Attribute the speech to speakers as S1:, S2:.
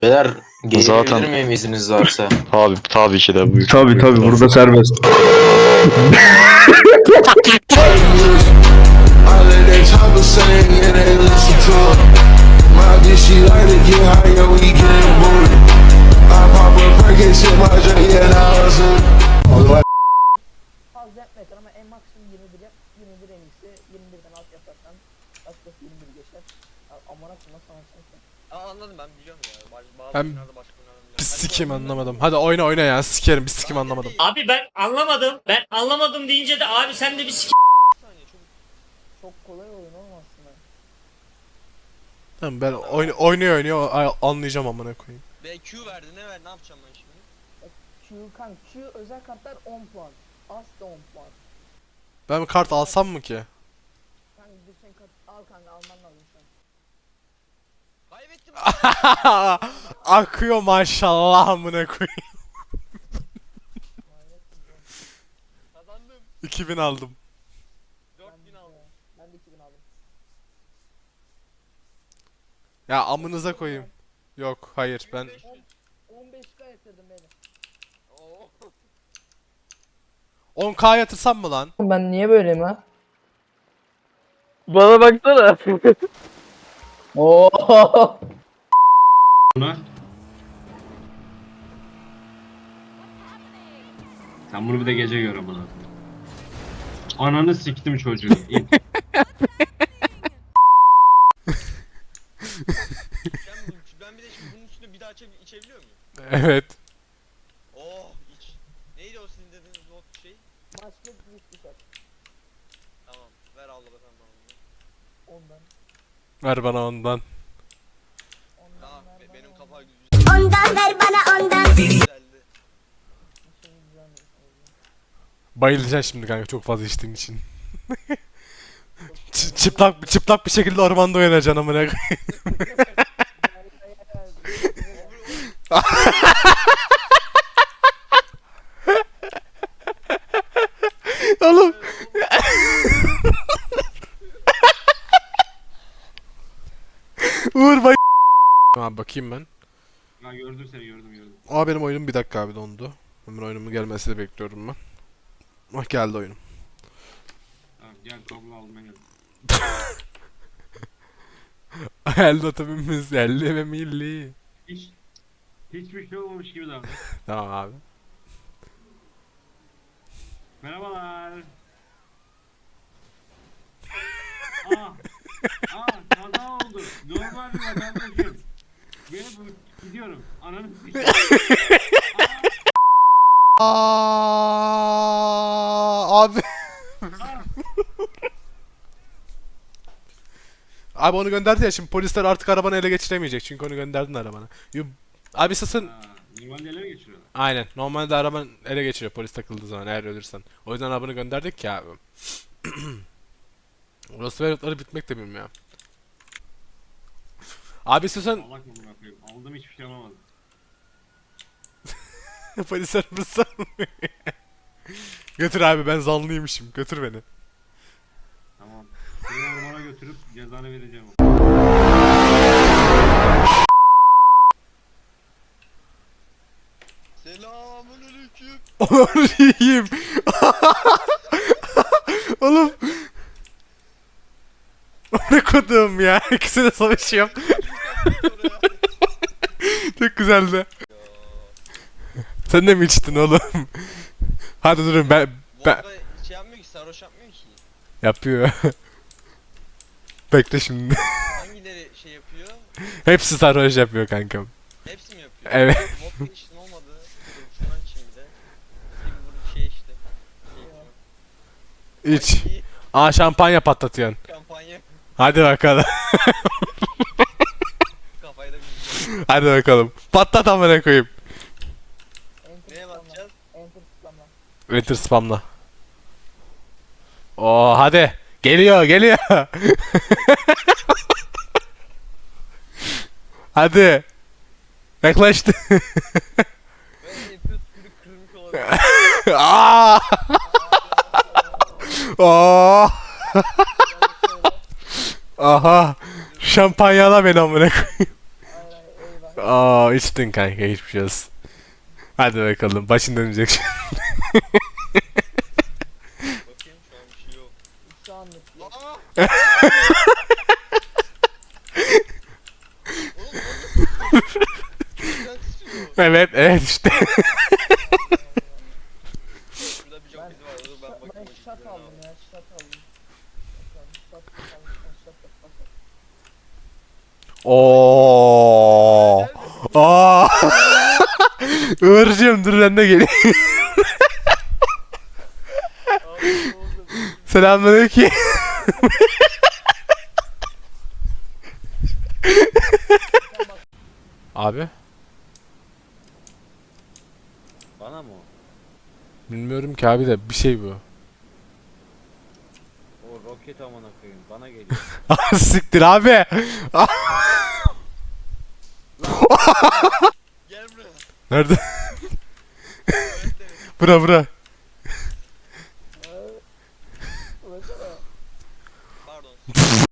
S1: Beyler gelebilir
S2: Zaten-
S1: miyim izniniz varsa?
S2: Tabii ki de buyur.
S3: Tabii
S2: Buyur.
S3: tabii burada serbest.
S4: I let that chopper sing and they listen to it. My bitch, she like to get higher, we getting booty. I pop a perk and shit, my drink, yeah, now it's
S5: Fazla yapmayacak ama en maksimum 21 yap. 21 en iyisi. 21'den alt yaparsan başkası 21 geçer. Ya, amına koyma sana sen.
S6: Anladım, ben biliyorum ya. Bazı
S7: Ben-
S6: oyunlarda başka oyunlarda biliyorum.
S7: Bir sikim anlamadım. Hadi oyna ya, sikerim, bir sikim anlamadım.
S8: Abi ben anlamadım. Ben anlamadım deyince de abi sen de bir
S6: Bir saniye, çok
S5: Çok kolay oyun olmaz aslında.
S7: Tamam ben oynuyor anlayacağım amına koyayım.
S6: BQ verdi, ne verdi, ne yapacağım ben şimdi?
S5: Q kanka Q özel kartlar 10 puan. As da 10 puan.
S7: Ben bir kart alsam mı ki?
S5: Kanka düşen kart al kanka alman lazım şu an.
S6: Kaybettim.
S7: Akıyor maşallah amına koyayım.
S6: Kazandım.
S7: 2000 aldım.
S6: 4000 aldım.
S5: Ben de 2000 aldım.
S7: Ya amınıza koyayım. Yok hayır ben
S5: 15k yatırdım beni.
S6: Oo.
S7: 10k yatırsam mı lan?
S5: Ben niye böyleyim ha?
S3: Bana baksana.
S5: Oo.
S9: Sen bunu bir de gece gör amına. Ananı siktim çocuğu.
S6: Ben bir de şimdi bunun üstüne bir daha içebiliyor muyum?
S7: Evet.
S6: Oh, iç. Neydi o sizin dediğiniz not şey?
S5: Başka bir düşer.
S6: Tamam, ver Allah sen bana bunu.
S5: Ondan.
S7: Ver bana ondan.
S6: Tamam,
S5: Ondan ver bana
S6: benim
S5: ondan.
S6: kafa güzel.
S10: Ondan ver bana ondan.
S6: Güzeldi.
S5: Bir şey güzelmiş.
S7: Bayılacaksın şimdi kanka çok fazla içtiğin için. çıplak bir şekilde ormanda oynayacaksın amına koyayım. Oğlum. Uğur bay. Abi bakayım ben.
S9: Ha gördüm seni gördüm.
S7: Aa benim oyunum bir dakika abi dondu. Hemen oyunumun gelmesini bekliyorum ben. Ah geldi oyunum.
S9: Tamam gel kablo aldım ben geldim.
S7: El notabimiz 50 ve milli.
S9: Hiçbir şey olmamış gibi davran.
S7: Tamam abi.
S9: Merhabalar. Aa kaza oldu. Normal bir vatandaşım. Gidiyorum. Ananı sikeyim.
S7: Abi. Abi onu gönderdi ya şimdi polisler artık arabanı ele geçiremeyecek çünkü onu gönderdin arabana. Abi sasın.
S9: Normalde ele mi geçiriyorlar?
S7: Aynen. Normalde araban ele geçiriyor polis takıldığı zaman eğer ölürsen. O yüzden arabanı gönderdik ya abi. Orası veletleri bitmek de bilmiyor. Abi istiyorsan
S9: Allah korusun koyayım. Aldım hiçbir şey alamadım.
S7: polis arabası götür abi ben zanlıymışım. Götür beni.
S9: Tamam. Seni ormana götürüp cezanı vereceğim.
S6: Selamünaleyküm.
S7: Onu yiyeyim. Oğlum. Ne kodum ya. İkisi de savaşıyor. Çok güzeldi. Sen de mi içtin oğlum? Hadi durun ben
S6: Vodka şey yapmıyor ki, sarhoş yapmıyor ki.
S7: yapıyor. Bekle şimdi.
S6: Hangileri şey yapıyor?
S7: Hepsi sarhoş yapıyor kankam.
S6: Hepsi mi yapıyor?
S7: Evet.
S6: Vodka içtim olmadı. Dur, şundan içeyim bir de. Bir şey işte. Şey
S7: İç.
S6: içiyorum.
S7: Aa şampanya patlatıyorsun.
S6: Kampanya.
S7: Hadi bakalım.
S6: Kafayı da bir
S7: Hadi bakalım. Patlat amına koyayım.
S5: Enter
S6: Neye
S5: spamla.
S6: bakacağız?
S5: Enter spamla.
S7: Enter spamla. Oo hadi. Geliyor. Hadi. Yaklaştı.
S6: Ve enter kırmızı olabilir.
S7: Aa! Oo! Aha. Şampanyala beni amına koyayım.
S5: Hayır eyvah.
S7: Aa içtin kanka hiçbir şey olsun. Hadi bakalım başın dönecek şimdi.
S6: Bakayım şu an bir şey yok.
S5: Şu anlık yok.
S6: Aa! Oğlum o nasıl sıçıyor?
S7: Evet işte.
S6: Şurada bir çok izi var. Dur ben
S5: Ben
S6: bakayım.
S5: şat aldım ya, şat aldım. Şat aldım, şat aldım.
S7: Oo. Aa. Uğurcuğum dur ben de geleyim. Selamünaleyküm. Abi
S3: Bana mı o?
S7: bilmiyorum ki abi de bir şey bu.
S3: O roket amına koyayım. Bana geliyor.
S7: Siktir abi.
S6: Gel buraya.
S7: Nerede? Bura.
S6: Pardon.